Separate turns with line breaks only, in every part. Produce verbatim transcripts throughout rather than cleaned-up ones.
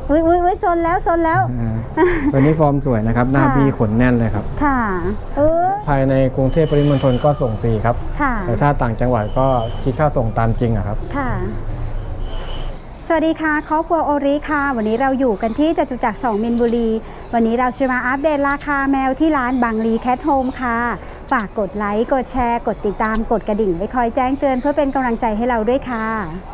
อุ้ยอุ้ยอุ้ยซนแล้วซนแล้ว
ตัวนี้ฟอร์มสวยนะครับหน้าบี้ขนแน่นเลยครับ
ค่ะเออ
ภายในกรุงเทพปริมณฑลก็ส่งฟรีครับแต่ถ้าต่างจังหวัดก็คิดค่าส่งตามจริงอะครับ
ค่ะสวัสดีค่ะครอบครัวโอริค่ะวันนี้เราอยู่กันที่จตุจักรสองมินบุรีวันนี้เราจะมาอัปเดตราคาแมวที่ร้านบางลีแคทโฮมค่ะฝากกดไลค์กดแชร์กดติดตามกดกระดิ่งไว้คอยแจ้งเตือนเพื่อเป็นกำลังใจให้เราด้วยค่ะ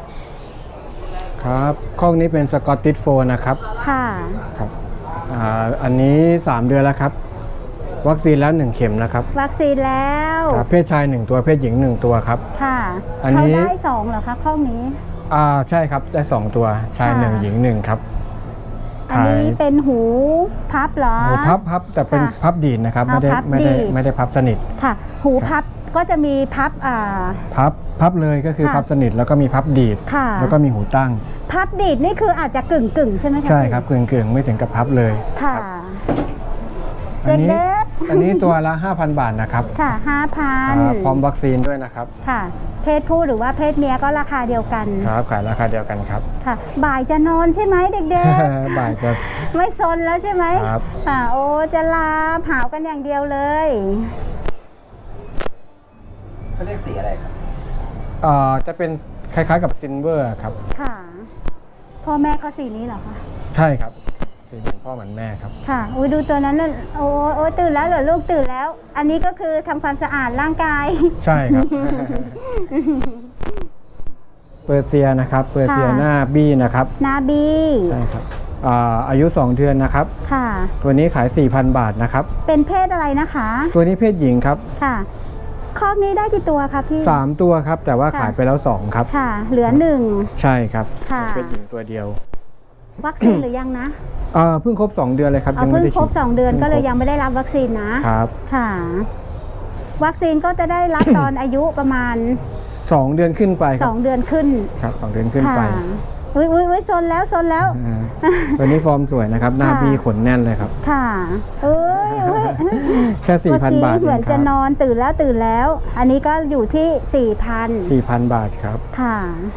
ครับข้องนี้เป็นสกอตติชโฟลด์นะครับ
ค่ะ
ครับอ่าอันนี้สามเดือนแล้วครับวัคซีนแล้วหนึ่งเข็มนะครับ
วัคซีนแล้ว
เพศชายหนึ่งตัวเพศหญิงหนึ่งตัวครับ
ค่ะอันนี้เขาได้สองเหรอคะข้องนี้
อ่าใช่ครับได้สองตัวชายหนึ่งหญิงหนึ่งครับ
อันนี้เป็นหูพับเหรอ
หูพับพับแต่เป็นพับดีดนะครับไม่ได้ไม่ได้ไม่ได้พับสนิท
ค่ะหูพับก็จะมีพับอ่า
พับพับเลยก็คือพับสนิทแล้วก็มีพับดีดแล้วก็มีหูตั้ง
พับดีดนี่คืออาจจะกึ่งกึ่งใช่ไหมคะ
ใช่ครับกึ่งกึ่งไม่ถึงกับพับเลย
ค่ะ
อันนี้อันนี้ตัวละ ห้าพัน บาทนะครับ
ค่ะ ห้าพัน
พร้อมวัคซีนด้วยนะครับ
ค่ะเพศผู้หรือว่าเพศเมียก็ราคาเดียวกัน
ครับขายราคาเดียวกันครับ
ค่ะบ่ายจะนอนใช่ไหมเด็ก
ๆบ่ายจะ
ไม่ซนแล้วใช่ไหม
ครับ
อ่าโอ้จะลาเผากันอย่างเดียวเลย
เขาเรียกสีอะไรครับ
อ่าจะเป็นคล้ายๆกับซิลเวอร์ครับ
ค่ะพ่อแม่ก็สีนี้เหรอคะ
ใช่ครับสีเหมือนพ่อเหมือนแม่ครับ
ค่ะอุ้ยดูตัวนั้นน่ะโอ้โอ้ตื่นแล้วเหรอลูกตื่นแล้วอันนี้ก็คือทำความสะอาดร่างกาย
ใช่ครับเปอร์เซียนะครับเปอร์เซียหน้าบี้นะครับ
หน้าบี้
ใช่ครับอายุสองเดือนนะครับ
ค่ะ
ตัวนี้ขาย สี่พัน บาทนะครับ
เป็นเพศอะไรนะคะ
ตัวนี้เพศหญิงครับ
ค่ะคอกนี้ได้กี่ตัวครับพี่
สามตัวครับแต่ว่าขายไปแล้วสองครับ
ค่ะเหลือหนึ่ง
ใช่ครับ
ค่ะ
เพศหญิงตัวเดียว
วัคซีนหรือยังนะ
อ่าเพิ่งครบสองเดือนเลยครับ
เพิ่งครบสองเดือนก็เลยยังไม่ได้รับวัคซีนนะครับค่ะวัคซีนก็จะได้รับตอนอายุประมาณ
สองเดือนขึ้นไป
สองเดือนขึ้น
ครับสองเดือนขึ้นไป
อุ้ยอุ้ยอุ้ยซนแล้วซนแล้ว
ตัวนี้ฟอร์มสวยนะครับหน้าบี้ขนแน่นเลยครับ
ค่ะเอ้ย
แค่ สี่พัน บาท
เหมือนจะนอนตื่นแล้วตื่นแล้วอันนี้ก็อยู่ที่ สี่พัน
สี่พัน บาทครับ
ค่ะ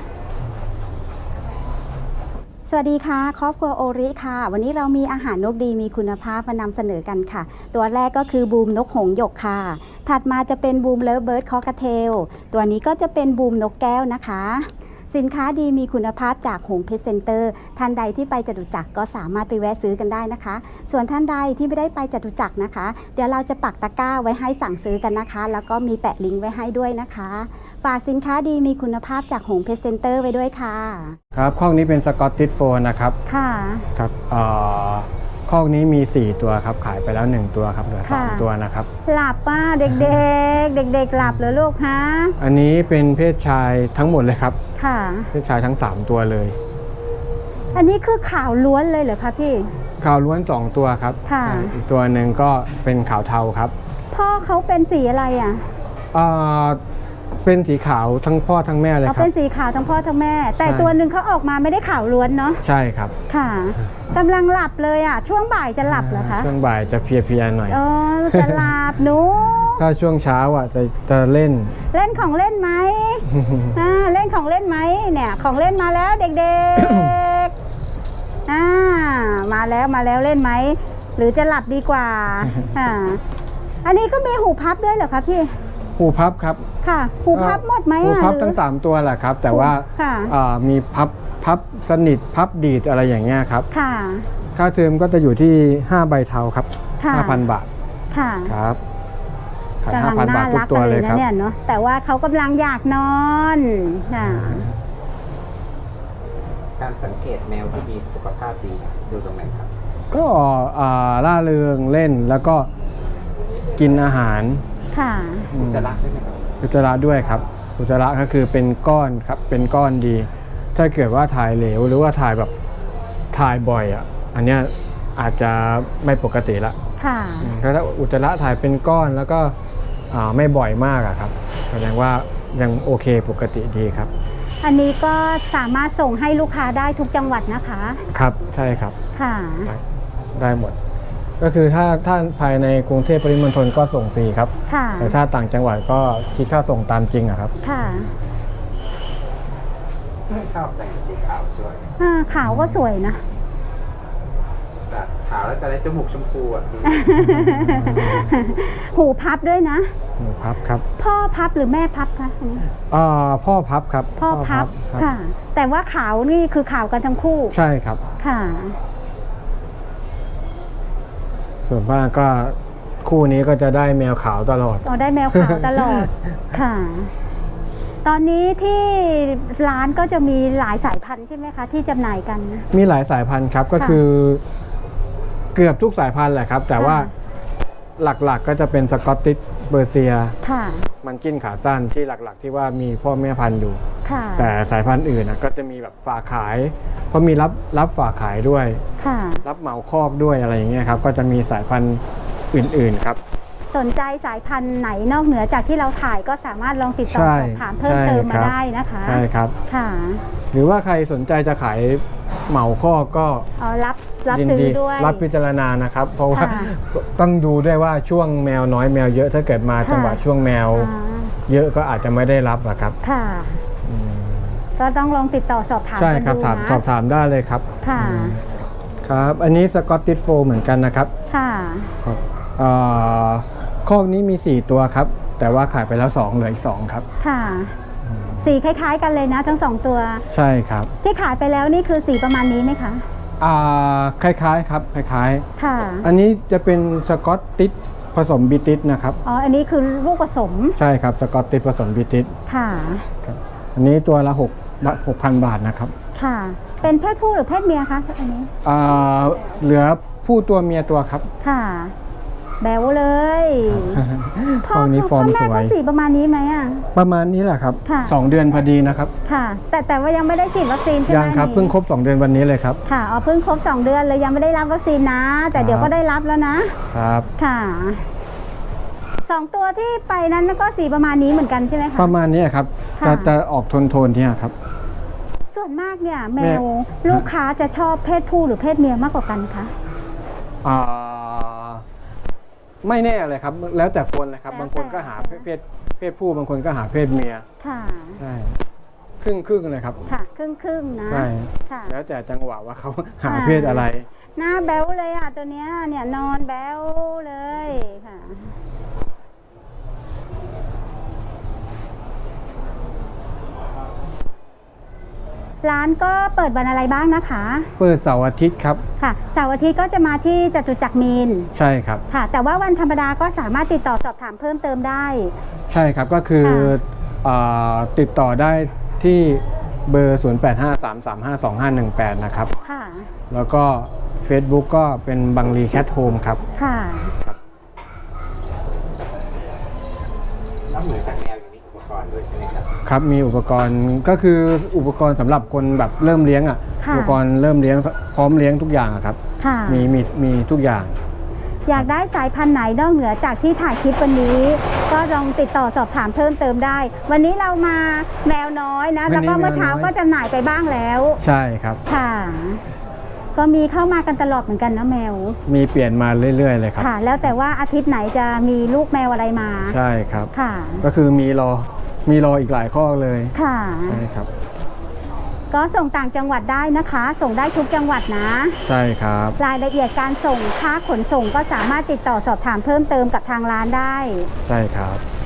สวัสดีค่ะครอบครัวโอริค่ะวันนี้เรามีอาหารนกดีมีคุณภาพมานำเสนอกันค่ะตัวแรกก็คือบูมนกหงส์หยกค่ะถัดมาจะเป็นบูมเลิฟเบิร์ดคอกเทลตัวนี้ก็จะเป็นบูมนกแก้วนะคะสินค้าดีมีคุณภาพจากหงเพชรเซ็นเตอร์ท่านใดที่ไปจตุจักรก็สามารถไปแวะซื้อกันได้นะคะส่วนท่านใดที่ไม่ได้ไปจตุจักรนะคะเดี๋ยวเราจะปักตะกร้าไว้ให้สั่งซื้อกันนะคะแล้วก็มีแปะลิงก์ไว้ให้ด้วยนะคะฝากสินค้าดีมีคุณภาพจากหงเพชรเซ็นเตอร์ไว้ด้วยค่ะ
ครับข้องนี้เป็นสกอตติชโฟลด์นะครับ
ค่ะ
ครับเอ่อข้องนี้มีสี่ตัวครับขายไปแล้วหนึ่งตัวครับเหลือสามตัวนะครับ
หลับป้าเด็กๆเด็กๆหลับเหรอลูกฮะ
อันนี้เป็นเพศชายทั้งหมดเลยครับ
ค่ะ
เพศชายทั้งสามตัวเลย
อันนี้คือขาวล้วนเลยเหรอคะพี่
ขาวล้วนสองตัวครับ
ค่ะ
อีกตัวหนึ่งก็เป็นขาวเทาครับ
พ่อเขาเป็นสีอะไรอ่ะ
อ่าเป็นสีขาวทั้งพ่อทั้งแม่เลยครับ
เป็นสีขาวทั้งพ่อทั้งแม่แต่ตัวหนึ่งเขาออกมาไม่ได้ขาวล้วนเนาะ
ใช่ครับ
ค่ะกำลังหลับเลยอ่ะช่วงบ่ายจะหลับเหรอคะ
ช่วงบ่ายจะเพลียๆหน่อย
อ๋อจะหลับหนู
ถ้าช่วงเช้าอ่ะจะจะเล่น
เล่นของเล่นไหมอ่าเล่นของเล่นไหมเนี่ยของเล่นมาแล้วเด็กๆอ่ามาแล้วมาแล้วเล่นไหมหรือจะหลับดีกว่าอ่าอันนี้ก็มีหูพับด้วยเหรอคะพี่
หูพับครับ
ค่ะหูพับหมดไหม
หูพับทั้งสามตัวแหละครับแต่ว่ามีพับพับสนิทพับดีดอะไรอย่างเงี้ยครับ
ค่ะ
ค่าเทอมก็จะอยู่ที่ห้าใบเทาครับ ห้าพัน บาท
ค่ะ
ครับขายห้าพัน บาททุกตัวเลยครับ
เนี่ยเนาะแต่ว่าเขากำลังอยากนอนค่ะ
การสังเกตแมวที่มีสุขภาพดีดูตรงไหนครับ
ก็ล่าเริงเล่นแล้วก็กินอาหาร
ค่ะ
อุจจาระด้วยไหมครับ
อุจจาระด้วยครับอุจจาระก็คือเป็นก้อนครับเป็นก้อนดี ถ้าเกิดว่าถ่ายเหลวหรือว่าถ่ายแบบถ่ายบ่อยอ่ะอันเนี้ยอาจจะไม่ปกติละ
ค่ะ
ถ้าอุจจาระถ่ายเป็นก้อนแล้วก็ไม่บ่อยมากอะครับแสดงว่ายังโอเคปกติดีครับ
อันนี้ก็สามารถส่งให้ลูกค้าได้ทุกจังหวัดนะคะ
ครับใช่ครับ
ค่ะ
ได้หมดก็คือถ้าถ้าภายในกรุงเทพปริมณฑลก็ส่งฟรีครับแต่ถ้าต่างจังหวัดก็คิดค่าส่งตามจริงอะครับ
ค่ะ
ชอบแต่งสีขาวสวย
ขาวก็สวยนะ
าวแล้วจะได้จมูกชมพูอ่ะพี่
หูพับด้วยนะ
หมูพับครับ
พ่อพับหรือแม่พับคะอันนี้
อ่าพ่อพับครับ
พ่อพับ
ครับ
ค่ะ แต่ว่าขาวนี่คือขาวกันทั้งคู่
ใช่ครับ
ค่ะ
ส่วนมากก็คู่นี้ก็จะได้แมวขาวตลอด
เราได้แมวขาวตลอด ค่ะ ตอนนี้ที่ร้านก็จะมีหลายสายพันธุ์ใช่ไหมคะ ที่จำหน่ายกัน
มีหลายสายพันธุ์ครับก็
ค่ะ
คือเกือบทุกสายพันธุ์แหละครับ แต่ว่า
ค่ะ
หลักๆก็จะเป็นสกอตติชเบอร์เซีย
ค่ะ
มันกินขาสั้นที่หลักๆ ที่ว่ามีพ่อแม่พันธุ์อยู่
ค่ะ
แต่สายพันธุ์อื่นนะก็จะมีแบบฝากขาย เพราะมีรับรับฝากขายด้วย
ค่ะ
รับเหมาคอกด้วยอะไรอย่างเงี้ยครับก็จะมีสายพันธุ์อื่นๆครับ
สนใจสายพันธุ์ไหนนอกเหนือจากที่เราถ่ายก็สามารถลองติดต่อ
ใช่
สอบถามเพิ่ม
ใช่
เติมมา
ครับ
ได้นะคะ
ใช่ครับ
ค่ะ
หรือว่าใครสนใจจะขายเหมาคอกก็
อ๋อรับรับ
ยิน
ซื้อ
ดี
ด้วย
รับพิจารณานะครับ เพราะว่า
ค่ะ
ต้องดูด้วยว่าช่วงแมวน้อยแมวเยอะถ้าเกิดมา
ค่ะ
จังหวะช่วงแมว
อ่า
เยอะก็อาจจะไม่ได้รับอะครับ
ค่ะ ก็ต้องลองติดต่อสอบถาม
ใช่
กัน
ครับ
ดู
ถาม
นะ
สอบถามได้เลยครับ
ค่ะ
ครับ อันนี้สกอตติชโฟเหมือนกันนะครับ
ค่ะ
ครับเอ่อคอกนี้มี สี่ ตัวครับ แต่ว่าขายไปแล้วสองเหลืออีกสองครับ
ค่ะ สีคล้าย ๆ กันเลยนะทั้งสองตัว
ใช่ครับ
ที่ขายไปแล้วนี่คือสีประมาณนี้ไหมคะ
อ่าคล้ายๆครับคล้าย
ค่ะ
ๆ อันนี้จะเป็นสกอตติชผสมบิติชนะครับ
อ๋อ อันนี้คือลูกผสม
ใช่ครับสกอตติชผสมบิติช
ค่ะ
อันนี้ตัวละหกหกพันบาทนะครับ
ค่ะ เป็นเพศผู้หรือเพศเมียคะอันนี้
อ่าเหลือผู้ตัวเมียตัวครับ
ค่ะ แบวเลย
คอกนี้ฟอร์ม
พ่อ
ส
แม่
ว
ก็
ย
สีประมาณนี้ไหมอ่ะ
ประมาณนี้แหละครับ
ค่ะ
สองเดือนพอดีนะครับ
ค่ะ แต่แต่ว่ายังไม่ได้ฉีดวัคซีนใช่ไหม
ยังครับ
อันนี้
เพิ่งครบสองเดือนวันนี้เลยครับ
ค่ะอ๋อเพิ่งครบสองเดือนเลยยังไม่ได้รับวัคซีนนะ แต่เดี๋ยว
ครับ
ก็ได้รับแล้วนะ
ครับ
ค่ะสองตัวที่ไปนั้นก็สีประมาณนี้เหมือนกันใช่ไหมคะ
ประมาณนี้ครับ
ค่ะ
จะจะออกโทนโทนๆเนี่ยครับ
ส่วนมากเนี่ยแม
แม่
วลูกค้าจะชอบเพศผู้หรือเพศเมียมากกว่ากันคะ
อ่าไม่แน่เลยครับ แล้วแต่คนเลยครับ
แล้วแต่
บางคนก็หาเพศเพศผู้บางคนก็หาเพศเมีย
ค่ะ
ใช่ครึ่งครึ่งๆเลยครับ
ค่ะ ครึ่งครึ่งๆนะ
ใช่
ค่ะ
แล้วแต่จังหวะว่าเขาหา
อ่า
เพศอะไร
หน้าแบ๊วเลยอ่ะตัวเนี้ยเนี่ยนอนแบ๊วเลยค่ะ ร้านก็เปิดวันอะไรบ้างนะคะ
เปิดเสาร์อาทิตย์ครับ
ค่ะเสาร์อาทิตย์ก็จะมาที่จตุจักรมีน
ใช่ครับ
ค่ะ แต่ว่าวันธรรมดาก็สามารถติดต่อสอบถามเพิ่มเติมได้
ใช่ครับก็คือ
ค่ะ
อ่าติดต่อได้ที่เบอร์ ศูนย์ แปด ห้า สาม สาม ห้า สอง ห้า หนึ่ง แปด นะครับ
ค่ะ
แล้วก็ Facebook ก็เป็นบังลีแคทโฮมครับ
ค่ะ
นอกเหนือจากแมวยังมีอุปกรณ์ด้วยใช่ไหมครับ
ครับมีอุปกรณ์ก็คืออุปกรณ์สำหรับคนแบบเริ่มเลี้ยงอ่ะ
ค่ะ
อุปกรณ์เริ่มเลี้ยงพร้อมเลี้ยงทุกอย่างอะครับ
ค่ะ
มีมีมีทุกอย่าง
อยากได้สายพันธุ์ไหนนอกเหนือจากที่ถ่ายคลิปวันนี้ ก็ลองติดต่อสอบถามเพิ่มเติมได้ วันนี้เรามาแมวน้อยนะ
วันนี้
แล้วก็เมื่อเช้า
แมวน้อย
ก็จำหน่ายไปบ้างแล้ว
ใช่ครับ
ค่ะ ก็มีเข้ามากันตลอดเหมือนกันนะแมว
มีเปลี่ยนมาเรื่อยๆเลยครับ
ค่ะ แล้วแต่ว่าอาทิตย์ไหนจะมีลูกแมวอะไรมา
ใช่ครับ
ค่ะ
ก็คือมีรอมีรออีกหลายข้อเลย
ค่ะ
ใช่ครับ
ก็ส่งต่างจังหวัดได้นะคะ ส่งได้ทุกจังหวัดนะ
ใช่ครับ
รายละเอียดการส่งค่าขนส่งก็สามารถติดต่อสอบถามเพิ่มเติมกับทางร้านได้
ใช่ครับ